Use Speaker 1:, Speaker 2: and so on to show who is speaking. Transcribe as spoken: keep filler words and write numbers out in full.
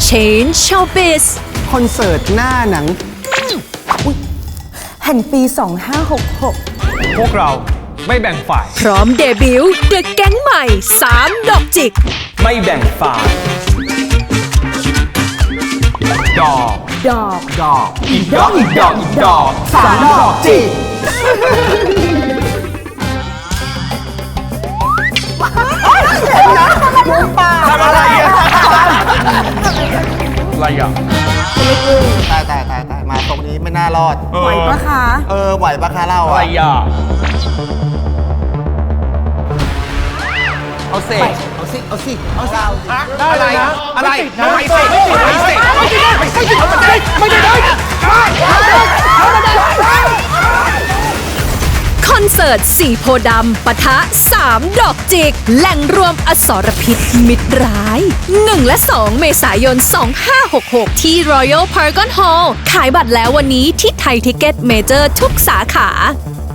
Speaker 1: Change Showbiz
Speaker 2: คอนเสิร์ตหน้าหนัง
Speaker 3: แห่งปี สองห้าหกหก
Speaker 4: พวกเราไม่แบ่งฝ่าย
Speaker 1: พร้อมเดบิวต์เดอะแก๊งใหม่สามดอกจิก
Speaker 4: ไม่แบ่งฝ่ายดอก
Speaker 3: ดอก
Speaker 4: ดอกอีกดอกอีกดอกอีกดอก
Speaker 2: สามดอกจิก
Speaker 4: ทำอะไรอ่ะอะไรอ่ะ
Speaker 2: ตายตายตายตายมาตรงนี้ไม่น่ารอด
Speaker 3: ไหวปะคะ
Speaker 2: เออไหวปะคะเรา
Speaker 4: อะไร
Speaker 2: อะ
Speaker 4: อ่ะ
Speaker 2: เอาสิเอาสิเอาสิเอาสิ
Speaker 4: อะไรอะไรไม่เสร็จไม่เสร็จไม่เสร็จไม่เสร็จไม่ได้
Speaker 1: คอนเสิร์ตสี่โพธิ์ดำปะทะสามดอกจิก แหล่งรวมอสรพิษมิตรร้ายหนึ่งและสองเมษายนสองห้าหกหกที่ Royal Paragon Hall ขายบัตรแล้ววันนี้ที่ไทยทิกเก็ตเมเจอร์ทุกสาขา